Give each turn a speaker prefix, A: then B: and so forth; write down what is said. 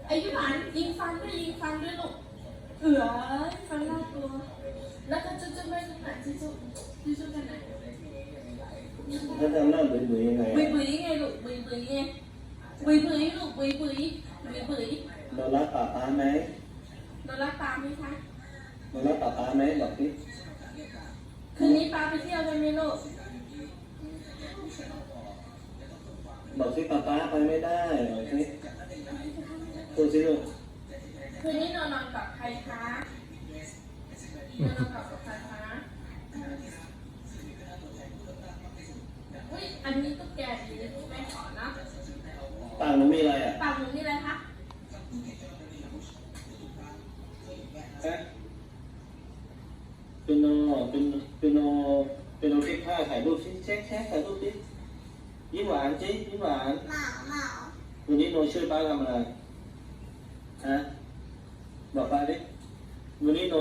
A: อ้ยี่หวานยิงฟันด้วยลูกฟันน่ากลัวแล้วก็จุ๊ไปตรงไหนจุ๊กันไหน
B: แล้วทำหน้าบุ๋ยยังไง
A: บุ๋ยไงลูกบุ๋ยไงบุ๋ยลูกบุ๋ย
B: เรารักป้าไหม
A: เรารักปาไหมคะ
B: เรารักป้าไหมบอกสิ
A: คืนนี้ปาไปเที่ยวกันไหมลูก
B: บอกสิป้าไปไม่ได้บอกสิพูดสิลูก
A: คืนนี้นอนกับใครคะนอนกับใครคะอุ้ยอันนี้ตุ๊กแกดีแม่ขอนะ
B: ปากหนูมีอะไรอ่ะ
A: ปากหนูมีอะไรคะ
B: เป็นโนเช็คผ้าถ่ายรูปสิเช็คถ่ายรูปสิยิ้มหวานสิยิ้มหวานวันนี้โนช่วยป้าทำอะไรฮะบอกป้าดิวันนี้โน